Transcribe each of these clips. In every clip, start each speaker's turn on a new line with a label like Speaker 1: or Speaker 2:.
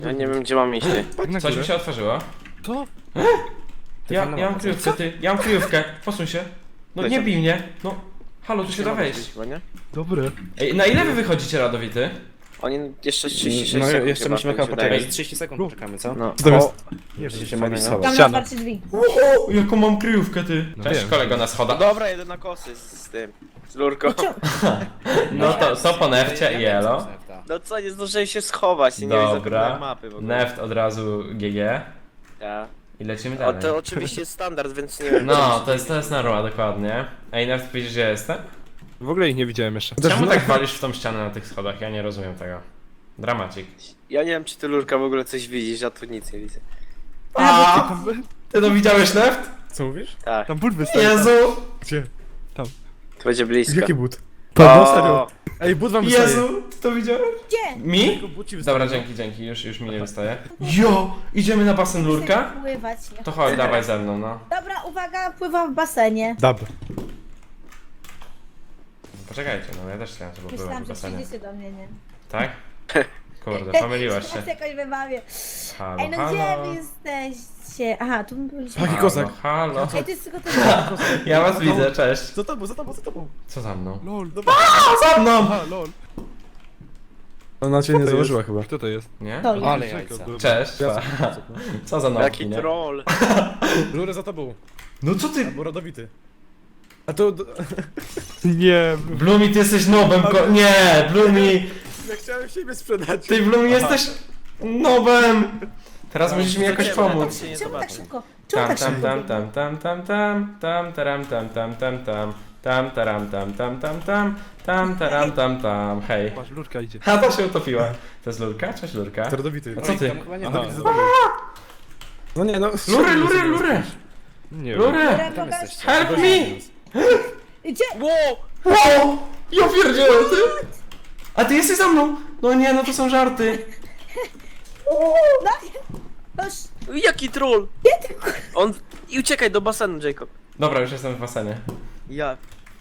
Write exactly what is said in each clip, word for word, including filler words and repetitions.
Speaker 1: Ja nie wiem, gdzie mam iść. ty.
Speaker 2: Coś mi się otworzyło.
Speaker 3: Co?
Speaker 2: Ja, ja mam kryjówkę, ty. Ja mam kryjówkę. Posuń się. No nie bij mnie. No. Halo, tu się da wejść.
Speaker 1: Chyba, nie?
Speaker 3: Dobre.
Speaker 2: Ej, na ile wy wychodzicie, Radowity?
Speaker 1: Oni jeszcze trzydzieści sześć
Speaker 4: No
Speaker 1: sekund
Speaker 4: jeszcze
Speaker 1: chyba,
Speaker 4: musimy
Speaker 1: tak
Speaker 4: chyba
Speaker 1: mi się wydaje.
Speaker 4: poczekać, trzydzieści sekund poczekamy, co?
Speaker 1: No.
Speaker 3: Co tam jest?
Speaker 4: Nie
Speaker 3: Nie
Speaker 4: wiem,
Speaker 3: wiem,
Speaker 4: się mogli
Speaker 1: fajnego.
Speaker 4: schować.
Speaker 5: Tam na
Speaker 3: Ściana.
Speaker 5: otwarcie drzwi.
Speaker 2: O, jaką mam kryjówkę, ty.
Speaker 3: No
Speaker 2: Cześć,
Speaker 3: wiem.
Speaker 2: kolego na
Speaker 1: No
Speaker 2: schodach.
Speaker 1: dobra, jedę na kosy z, z tym. Z lurką.
Speaker 2: No to co po nefcie i elo.
Speaker 1: No co, nie zdążyłem się schować, nie wiem,
Speaker 2: Dobra.
Speaker 1: zapomniałem mapy w ogóle.
Speaker 2: Neft od razu G G.
Speaker 1: Ja.
Speaker 2: I lecimy
Speaker 1: O,
Speaker 2: dalej.
Speaker 1: to oczywiście jest standard, więc nie wiem.
Speaker 2: No, to jest, to jest norma, dokładnie. Ej, Neft, widzisz, gdzie jestem?
Speaker 3: W ogóle ich nie widziałem jeszcze.
Speaker 2: Czemu tak walisz w tą ścianę na tych schodach? Ja nie rozumiem tego. Dramacik.
Speaker 1: Ja nie wiem, czy ty lurka w ogóle coś widzisz, ja tu nic nie widzę.
Speaker 2: A, ty to widziałeś, Neft?
Speaker 3: Co mówisz?
Speaker 1: Tak,
Speaker 3: Tam but wystaje.
Speaker 2: Jezu!
Speaker 3: Gdzie?
Speaker 1: to będzie blisko.
Speaker 3: Jaki but?
Speaker 1: O,
Speaker 3: Pan, serio. Ej, but wam wystaje.
Speaker 2: Jezu, ty to widziałeś?
Speaker 5: Gdzie?
Speaker 2: Mi?
Speaker 3: Tylko but ci wystaje.
Speaker 2: Dobra, dzięki, dzięki, już, już mi nie wystaje. Jo! Idziemy na basen lurka?
Speaker 5: Chcę pływać. Nie.
Speaker 2: To chodź, dawaj ze mną, no.
Speaker 5: Dobra, uwaga, pływam w basenie.
Speaker 3: Dobra.
Speaker 2: Poczekajcie, no ja też chciałem sobie popływać
Speaker 5: Myślałam,
Speaker 2: w
Speaker 5: że
Speaker 2: basenie.
Speaker 5: przyjdziecie do mnie, nie?
Speaker 2: Tak? Kurde, pomyliłaś się.
Speaker 5: Teraz jakoś wybawię.
Speaker 2: Halo,
Speaker 5: Ej, no gdzie
Speaker 2: halo.
Speaker 5: wy jesteście? Aha, tu byliśmy.
Speaker 3: Taki kozak.
Speaker 2: Halo, halo.
Speaker 5: Ej, to jest tylko ten...
Speaker 2: Ja was widzę, cześć.
Speaker 3: Za tobą, za tobą, za tobą.
Speaker 2: Co za mną?
Speaker 3: Lol, dobra.
Speaker 2: Za mną!
Speaker 3: Aha, lol. Ona cię nie założyła chyba. Kto to jest?
Speaker 2: Nie?
Speaker 5: To jest.
Speaker 4: Ale jajca.
Speaker 2: Cześć. Co za nowki,
Speaker 1: Jaki
Speaker 2: nie?
Speaker 1: troll.
Speaker 3: Rurę za tobą.
Speaker 2: No co ty?
Speaker 3: Albo rodowity. A to... Nie,
Speaker 2: Blumi, ty jesteś nobem, ko... Nie, Blumi!
Speaker 3: ja chciałem siebie sprzedać.
Speaker 2: Ty, Blumi, jesteś nobem! Teraz musisz mi jakoś
Speaker 1: Zobaczymy,
Speaker 2: pomóc.
Speaker 1: tak się nie
Speaker 5: Czemu tak
Speaker 1: zobaczy.
Speaker 5: szybko? Czemu
Speaker 2: Tam,
Speaker 5: tak
Speaker 2: tam,
Speaker 5: szybko?
Speaker 2: tam,
Speaker 5: biegnie?
Speaker 2: tam, tam, tam, tam, tam, taram, tam, tam, tam, tam, tam, taram, tam, tam, tam, tam, tam, taram, tam, tam, hej.
Speaker 3: Patrz, lurka idzie.
Speaker 2: A to się utopiła. To jest lurka? Cześć, lurka.
Speaker 3: To rodowity.
Speaker 2: A co ty?
Speaker 4: Tam chyba nie
Speaker 3: Aha.
Speaker 4: ma.
Speaker 3: Rodowity za tobą. No nie, no...
Speaker 2: Lury, lury, lury!
Speaker 3: Nie wiem.
Speaker 2: Lury!
Speaker 5: Dobra,
Speaker 4: Tam
Speaker 5: pokaż.
Speaker 4: jesteście.
Speaker 2: Help me!
Speaker 5: Gdzie?
Speaker 1: Wow!
Speaker 2: Wow! Ja pierdzielę, ty! A ty jesteś za mną! No nie, no to są żarty.
Speaker 5: No, już.
Speaker 1: Jaki troll! On... I uciekaj do basenu, Jacob.
Speaker 2: Dobra, już jestem w basenie.
Speaker 1: Ja.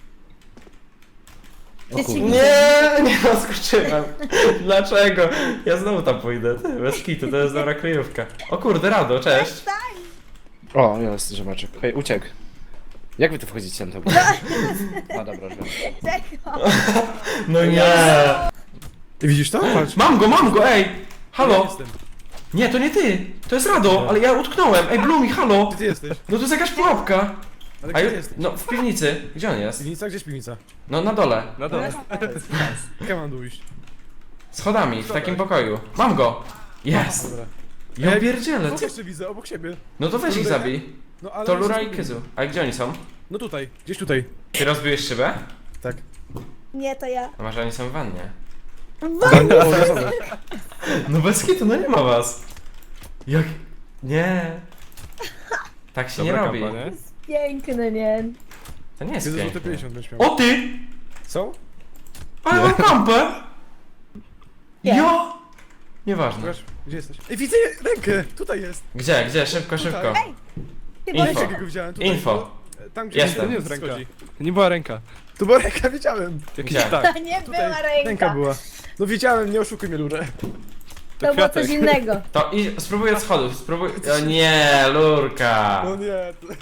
Speaker 5: Dzieci,
Speaker 2: Nie, nie zaskoczyłem. Dlaczego? Ja znowu tam pójdę. Ty, bez kitu, to jest dobra kryjówka. O kurde, Rado, cześć.
Speaker 4: O, jest, zobaczę. Hej, uciekł. Jak wy tu wchodzicie na to? A dobra, już wiem.
Speaker 5: Czego?
Speaker 2: No nie.
Speaker 3: Ty widzisz to? Patrz.
Speaker 2: Mam go, mam go, ej!
Speaker 3: Ja
Speaker 2: Halo!
Speaker 3: jestem.
Speaker 2: Nie, to nie ty! To jest Rado, ale ja utknąłem. Ej, Blumi, halo!
Speaker 3: Gdzie ty jesteś?
Speaker 2: No to jest jakaś pułapka.
Speaker 3: Ale
Speaker 2: A
Speaker 3: gdzie
Speaker 2: ju...
Speaker 3: ty jesteś?
Speaker 2: No, w piwnicy. Gdzie on jest?
Speaker 3: Piwnica? Gdzie jest piwnica?
Speaker 2: No, na dole.
Speaker 3: Na dole. Jak mam dół iść?
Speaker 2: Schodami, w takim pokoju. Mam go! Jest!
Speaker 3: Dobra.
Speaker 2: Ja
Speaker 3: Ej,
Speaker 2: pierdzielę,
Speaker 3: Kogo
Speaker 2: ty.
Speaker 3: jeszcze widzę? Obok siebie.
Speaker 2: No to weź ich
Speaker 3: Lurę?
Speaker 2: zabij.
Speaker 3: No ale...
Speaker 2: To Lura i Kyzu. A gdzie oni są?
Speaker 3: No tutaj, gdzieś tutaj.
Speaker 2: Ty rozbiłeś szybę?
Speaker 3: Tak.
Speaker 5: Nie, to ja.
Speaker 2: No może oni są w wannie.
Speaker 3: Obowiązkowe.
Speaker 2: No bez kitu, no nie ma was. Jak... Nie. Tak się nie
Speaker 3: Dobra
Speaker 2: robi.
Speaker 3: kampa, nie?
Speaker 5: Piękny, nie?
Speaker 2: To nie jest
Speaker 3: Ty za złote
Speaker 2: piękne.
Speaker 3: pięćdziesiąt będziesz miał.
Speaker 2: O ty!
Speaker 3: Co?
Speaker 2: Ale mam kampę!
Speaker 5: Nie.
Speaker 2: Jo! Nieważne.
Speaker 3: Pokaż, gdzie jesteś? Ej, widzę rękę! Tutaj jest!
Speaker 2: Gdzie, gdzie? Szybko, szybko.
Speaker 5: Ej! Ty
Speaker 2: Info.
Speaker 5: Boże,
Speaker 3: Jakiego widziałem? Tutaj.
Speaker 2: Info.
Speaker 3: Tam gdzie
Speaker 2: Jestem.
Speaker 3: to nie jest ręka. To nie była ręka. To była ręka, wiedziałem. Jakiś
Speaker 2: Gdzie?
Speaker 3: tak.
Speaker 5: to nie
Speaker 3: Tutaj
Speaker 5: była ręka.
Speaker 3: ręka była. No wiedziałem, nie oszukuj mnie, Lurę.
Speaker 5: To było coś innego.
Speaker 2: To i spróbuj od schodów, spróbuj... O nie, lurka!
Speaker 3: No nie. to-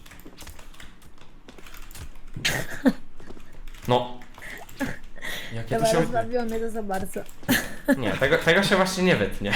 Speaker 2: No. Jakie to
Speaker 5: Dobra,
Speaker 2: się...
Speaker 5: rozbawiło mnie to za bardzo.
Speaker 2: Nie, tego, tego się właśnie nie wytnie.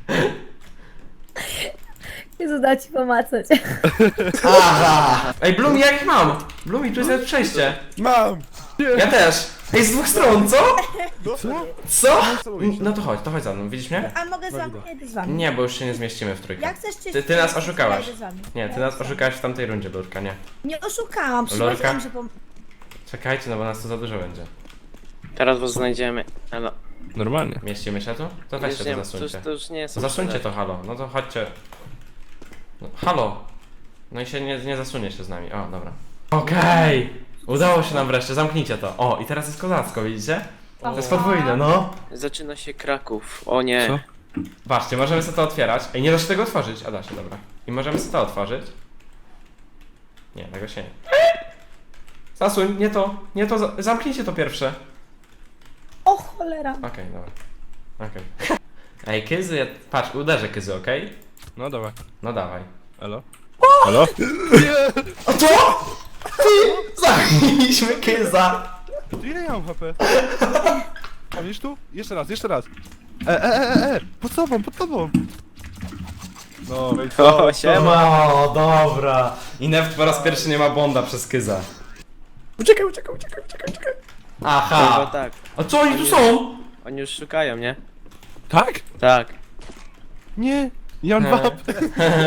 Speaker 5: Jezu, da ci pomacać.
Speaker 2: Aha! Ej, Blumi, ja ich mam! Blumi, tu jest przejście.
Speaker 3: Mam!
Speaker 2: Ja też. Ej, z dwóch stron, co?
Speaker 3: No, co?
Speaker 2: Co?
Speaker 3: tobą iść.
Speaker 2: No to chodź, to chodź za mną, widzisz mnie?
Speaker 5: A mogę z wami? Jedę z wami.
Speaker 2: Nie, bo już się nie zmieścimy w trójkę.
Speaker 5: Jak chcesz czy
Speaker 2: Ty, ty nas
Speaker 5: czy-
Speaker 2: oszukałaś.
Speaker 5: ja idę z wami.
Speaker 2: Nie, ty
Speaker 5: Ja
Speaker 2: nas
Speaker 5: idę z wami.
Speaker 2: oszukałaś w tamtej rundzie, Lurka, nie.
Speaker 5: Nie oszukałam,
Speaker 2: Lorka?
Speaker 5: przychodziłam, że pom...
Speaker 2: Czekajcie, no bo nas tu za dużo będzie.
Speaker 1: Teraz was znajdziemy. Elo.
Speaker 3: Normalnie.
Speaker 2: Mieścimy się tu? To weźcie
Speaker 1: Już nie,
Speaker 2: to
Speaker 1: to, już,
Speaker 2: zasuńcie.
Speaker 1: to już nie jest.
Speaker 2: To zasuńcie to, halo. No to chodźcie. No, halo! No i się nie, nie zasunie się z nami. O, dobra. Okej! Udało się nam wreszcie, zamknijcie to. O, i teraz jest kozacko, widzicie? To jest podwójne, no.
Speaker 1: Zaczyna się Kraków. O nie.
Speaker 3: Co?
Speaker 2: Patrzcie, możemy sobie to otwierać. Ej, nie da się tego otworzyć. A da się, dobra. I możemy sobie to otworzyć. Nie, tego się nie. Zasuń, nie to, nie to, za- zamknijcie to pierwsze.
Speaker 5: O cholera.
Speaker 2: Okej, dobra. Okej. Ej, Kyzu, ja... patrz, uderzę Kyzu, okej?
Speaker 3: No dobra.
Speaker 2: No dawaj.
Speaker 3: Elo? Halo?
Speaker 2: A co? Ty! Zabiliśmy Kyza!
Speaker 3: Ty ile ja mam H P? A widzisz tu? Jeszcze raz, jeszcze raz. E, e, e, e, e! Pod tobą, pod tobą! No i co?
Speaker 1: O, siema.
Speaker 2: O, dobra. I Neft po raz pierwszy nie ma bonda przez Kyza.
Speaker 3: Uciekaj, uciekaj, uciekaj, uciekaj, uciekaj!
Speaker 1: No
Speaker 2: Aha.
Speaker 1: tak.
Speaker 2: A co oni tu są?
Speaker 1: Oni już szukają, nie?
Speaker 3: Tak?
Speaker 1: Tak.
Speaker 3: Nie! Ja mam dwa H P!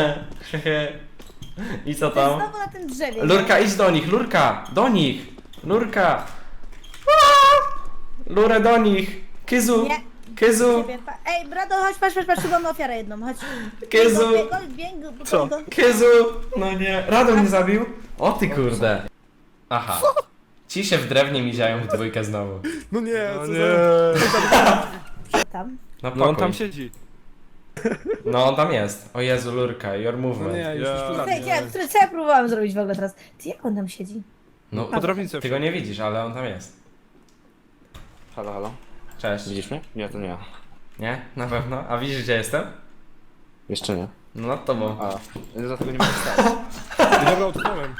Speaker 2: I co
Speaker 5: To jest
Speaker 2: tam?
Speaker 5: znowu na tym drzewie.
Speaker 2: Lurka, idź do nich, Lurka! Do nich! Lurka! Aaa! Lurę do nich! Kyzu!
Speaker 5: Nie.
Speaker 2: Kyzu!
Speaker 5: Ciebie pa- Ej, Brado, chodź, patrz, patrz, patrz, tu mamy ofiarę jedną, chodź.
Speaker 2: Kyzu!
Speaker 5: Biegł, biegł, biegł,
Speaker 3: Co?
Speaker 5: biegł.
Speaker 2: Kyzu! No nie, Rado mnie zabił? O ty kurde. Aha. Ci się w drewnie miziają w dwójkę znowu.
Speaker 3: No nie,
Speaker 4: No
Speaker 3: co
Speaker 4: nie.
Speaker 3: za...
Speaker 5: Tam.
Speaker 2: No,
Speaker 3: No on
Speaker 2: pokój.
Speaker 3: tam siedzi.
Speaker 2: No on tam jest. O Jezu, Lurka, your movement.
Speaker 3: No nie, już
Speaker 4: Ja-
Speaker 3: już tu na
Speaker 5: Ty,
Speaker 3: mnie.
Speaker 5: ja, które, co ja próbowałam zrobić w ogóle teraz? Ty, jak on tam siedzi?
Speaker 2: No,
Speaker 3: Po drobnicy
Speaker 2: ty go nie widzisz, ale on tam jest.
Speaker 4: Halo, halo.
Speaker 2: Cześć.
Speaker 4: Widzisz mnie? Nie, to nie ja.
Speaker 2: Nie? Na pewno? A widzisz gdzie jestem?
Speaker 4: Jeszcze nie.
Speaker 2: No nad tobą.
Speaker 4: A, dlatego nie mogę stać.
Speaker 3: Dobra, utknąłem.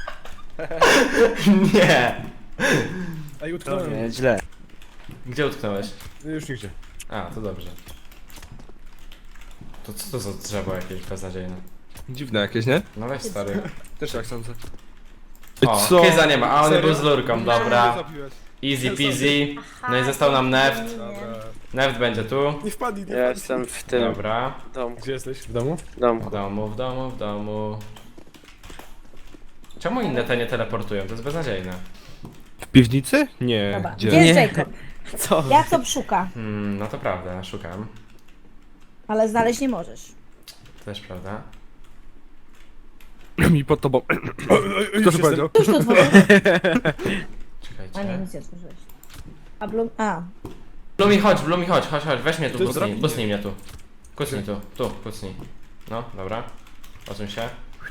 Speaker 2: Nie!
Speaker 3: Ej, utknąłem.
Speaker 4: Nie, źle.
Speaker 2: Gdzie utknąłeś?
Speaker 3: Już nigdzie.
Speaker 2: A, to dobrze. To co to za drzewo jakieś beznadziejne?
Speaker 3: Dziwne jakieś, nie?
Speaker 2: No weź stary.
Speaker 3: Też tak sądzę.
Speaker 2: O, Kyza nie ma, a on
Speaker 3: Serio?
Speaker 2: był z Lurką, dobra.
Speaker 3: Zabiłeś.
Speaker 2: Easy peasy. No i został nam Neft.
Speaker 3: Dobra.
Speaker 2: Neft będzie tu.
Speaker 3: Nie wpadnij, nie
Speaker 1: Ja
Speaker 3: wpadnij.
Speaker 1: jestem w tym
Speaker 2: Dobra.
Speaker 1: domu.
Speaker 3: Gdzie jesteś? W domu?
Speaker 2: W
Speaker 1: domku.
Speaker 2: domu, w domu, w domu. Czemu inne te nie teleportują? To jest beznadziejne.
Speaker 3: W piwnicy? Nie.
Speaker 5: Dobra,
Speaker 3: Gdzie?
Speaker 5: gdzie jest
Speaker 1: Nie.
Speaker 5: Jacob?
Speaker 1: Co?
Speaker 5: Jacob szuka,
Speaker 2: Hmm, no to prawda, szukam.
Speaker 5: ale znaleźć nie możesz.
Speaker 2: To też prawda.
Speaker 3: Mi pod tobą. Kto to powiedział?
Speaker 5: Już to otworzyłeś? A nie,
Speaker 2: Czekajcie.
Speaker 5: nic nie otworzyłeś. A Blum... A.
Speaker 2: Blumi, chodź, Blumi, chodź, chodź, chodź, weź mnie tu,
Speaker 3: To jest
Speaker 2: bucnij,
Speaker 3: drabina.
Speaker 2: bucnij mnie tu. Kucnij tu, tu, kucnij. No, dobra. Odsuń się.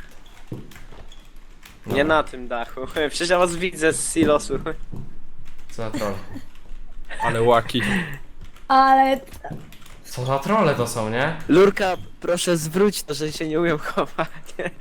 Speaker 1: Nie
Speaker 2: Dobra.
Speaker 1: na tym dachu. Przecież ja was widzę z silosu.
Speaker 2: Co za troll?
Speaker 3: Ale łaki.
Speaker 5: Ale...
Speaker 2: Co za trolle to są, nie?
Speaker 1: Lurka, proszę zwróć to, że się nie umiem chować.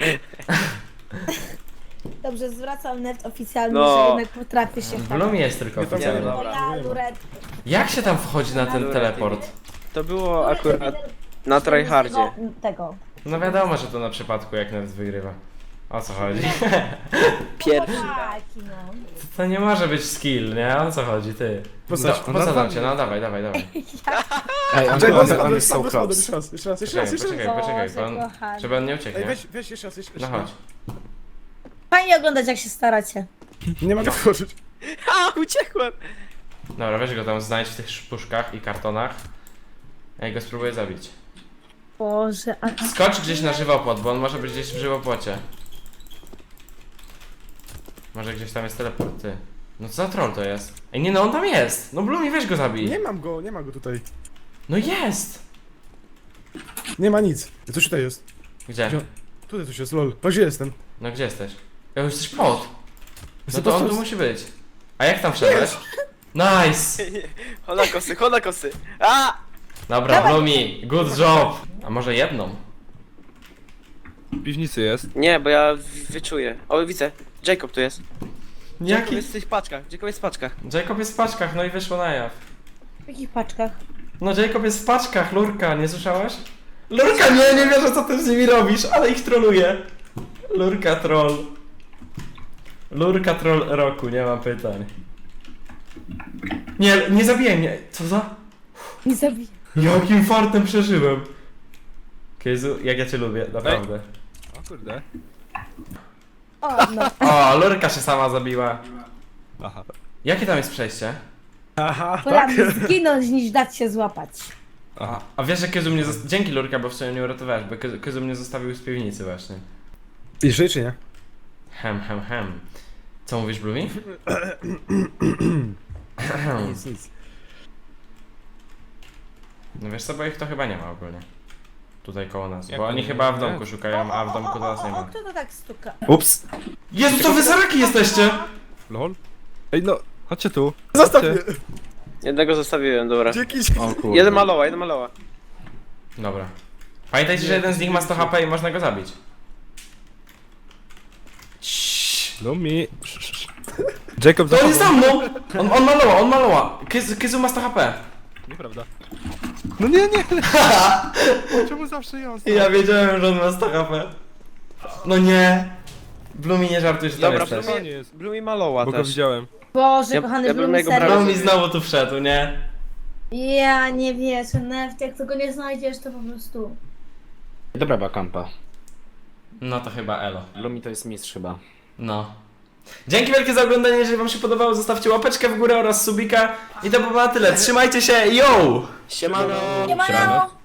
Speaker 5: Dobrze, zwracam net oficjalnie,
Speaker 1: No.
Speaker 5: że jednak potrafię się
Speaker 2: W Blumi jest tylko
Speaker 1: Nie,
Speaker 2: oficjalnie.
Speaker 1: dobra.
Speaker 5: Ja, Luret.
Speaker 2: Jak się tam wchodzi na ten teleport?
Speaker 1: To było akurat na tryhardzie.
Speaker 5: Tego.
Speaker 2: No wiadomo, że to na przypadku jak nawet wygrywa. O co chodzi?
Speaker 1: Pierwszy.
Speaker 5: Taki, no.
Speaker 2: To nie może być skill, nie? O co chodzi, ty?
Speaker 3: Postać-
Speaker 2: No, posadzam cię, no dawaj, dawaj, dawaj.
Speaker 4: Ej, on,
Speaker 3: Czekaj,
Speaker 4: on,
Speaker 3: on,
Speaker 4: on
Speaker 3: on,
Speaker 4: jest so
Speaker 3: on,
Speaker 4: close.
Speaker 3: jeszcze raz, jeszcze raz, jeszcze
Speaker 2: Poczekaj,
Speaker 3: raz, jeszcze raz.
Speaker 2: poczekaj, poczekaj, bo
Speaker 5: Boże,
Speaker 2: on,
Speaker 5: kochany.
Speaker 2: żeby on nie
Speaker 3: Ej,
Speaker 2: ucieknie.
Speaker 3: weź, weź jeszcze raz, jeszcze
Speaker 2: No
Speaker 3: raz.
Speaker 2: chodź.
Speaker 5: Fajnie oglądać, jak się staracie.
Speaker 3: Nie mogę wchodzić.
Speaker 1: A, uciekłem!
Speaker 2: Dobra, weź go tam znajdź w tych puszkach i kartonach. Ja go spróbuję zabić.
Speaker 5: Boże, a...
Speaker 2: Skocz gdzieś na żywopłot, bo on może być gdzieś w żywopłocie. Może gdzieś tam jest teleport, ty. No co za troll to jest? Ej, nie no, on tam jest! No Blumi, weź go zabij!
Speaker 3: Nie mam go, nie ma go tutaj.
Speaker 2: No jest!
Speaker 3: Nie ma nic. Coś tutaj jest.
Speaker 2: Gdzie?
Speaker 3: Gdzie? Tutaj coś jest, lol. To gdzie jestem?
Speaker 2: No gdzie jesteś? Ja już jesteś pod! No
Speaker 3: Jestem
Speaker 2: to
Speaker 3: pod-
Speaker 2: on tu musi być. A jak tam wszedłeś? Nice!
Speaker 1: Hola kosy, hola kosy. A!
Speaker 2: Dobra,
Speaker 5: Dawaj.
Speaker 2: Blumi, good job! A może jedną?
Speaker 3: W piwnicy jest.
Speaker 1: Nie, bo ja w- wyczuję. O, widzę. Jacob tu jest. Jacob
Speaker 2: Jaki?
Speaker 1: jest w tych paczkach. Jacob jest w paczkach.
Speaker 2: Jacob jest w paczkach, no i wyszło na jaw.
Speaker 5: W jakich paczkach?
Speaker 2: No Jacob jest w paczkach, Lurka, nie słyszałeś? Lurka, nie, nie wierzę co ty z nimi robisz, ale ich troluje. Lurka troll. Lurka troll roku, nie mam pytań. Nie, nie zabiję mnie. Co za?
Speaker 5: Nie zabiję.
Speaker 2: Jakim fartem przeżyłem. Kyzu, jak ja cię lubię, naprawdę.
Speaker 3: O kurde.
Speaker 5: O, no.
Speaker 2: O, Lurka się sama zabiła.
Speaker 3: Aha.
Speaker 2: Jakie tam jest przejście?
Speaker 3: Aha,
Speaker 5: Wolałabym zginąć, niż dać się złapać.
Speaker 3: Aha.
Speaker 2: A wiesz, że Kyzu mnie zost... Dzięki Lurka, bo w sumie mnie uratowałeś, bo Kyzu- Kyzu mnie zostawił z piwnicy właśnie.
Speaker 3: I żyj czy nie?
Speaker 2: Hem, hem, hem. Co mówisz, Blumi?
Speaker 3: Nic, nic.
Speaker 2: No wiesz co, bo ich to chyba nie ma ogólnie. Tutaj koło nas.
Speaker 3: Jak
Speaker 2: Bo
Speaker 3: to
Speaker 2: oni
Speaker 3: nie?
Speaker 2: chyba w
Speaker 3: Nie.
Speaker 2: domku szukają, a w domku do nas nie
Speaker 5: O,
Speaker 2: ma.
Speaker 5: kto to tak stuka?
Speaker 4: Ups.
Speaker 2: Jezu, co wy za raki jesteście?
Speaker 3: Lol? Ej no, chodźcie tu.
Speaker 4: Zostaw
Speaker 3: Chodźcie.
Speaker 1: Jednego zostawiłem, dobra.
Speaker 3: Dzięki.
Speaker 4: O kurde.
Speaker 1: Jeden maloła, jeden maloła.
Speaker 2: Dobra. Pamiętajcie, że jeden z nich ma sto H P i można go zabić. Ciii.
Speaker 3: Lumi. Jacob
Speaker 2: To on jest za
Speaker 3: zachował.
Speaker 2: mną! On, on maloła, on maloła. Kyzu, Kyzu ma sto H P.
Speaker 3: Nieprawda. No nie, nie. Czemu zawsze ja ostatnio?
Speaker 2: Ja wiedziałem, że on ma sto H P. No nie. Blumi, nie żartuj, że tam
Speaker 1: Dobra,
Speaker 2: jesteś.
Speaker 3: Blumi-
Speaker 1: Blumi, Blumi maloła
Speaker 3: Bo go
Speaker 1: też.
Speaker 3: widziałem.
Speaker 5: Boże,
Speaker 1: Ja-
Speaker 5: kochany
Speaker 1: ja bym
Speaker 5: Blumi,
Speaker 1: jego
Speaker 5: serio.
Speaker 1: brał.
Speaker 2: Blumi znowu tu wszedł, nie?
Speaker 5: Ja nie wierzę, Neft, jak tego nie znajdziesz, to po prostu...
Speaker 4: Dobra była kampa.
Speaker 2: No to chyba elo.
Speaker 4: Lumi to jest mistrz chyba.
Speaker 2: No. Dzięki wielkie za oglądanie, jeżeli wam się podobało, zostawcie łapeczkę w górę oraz subika. I to by było na tyle. Trzymajcie się, yo!
Speaker 1: Siemano!
Speaker 5: Nie ma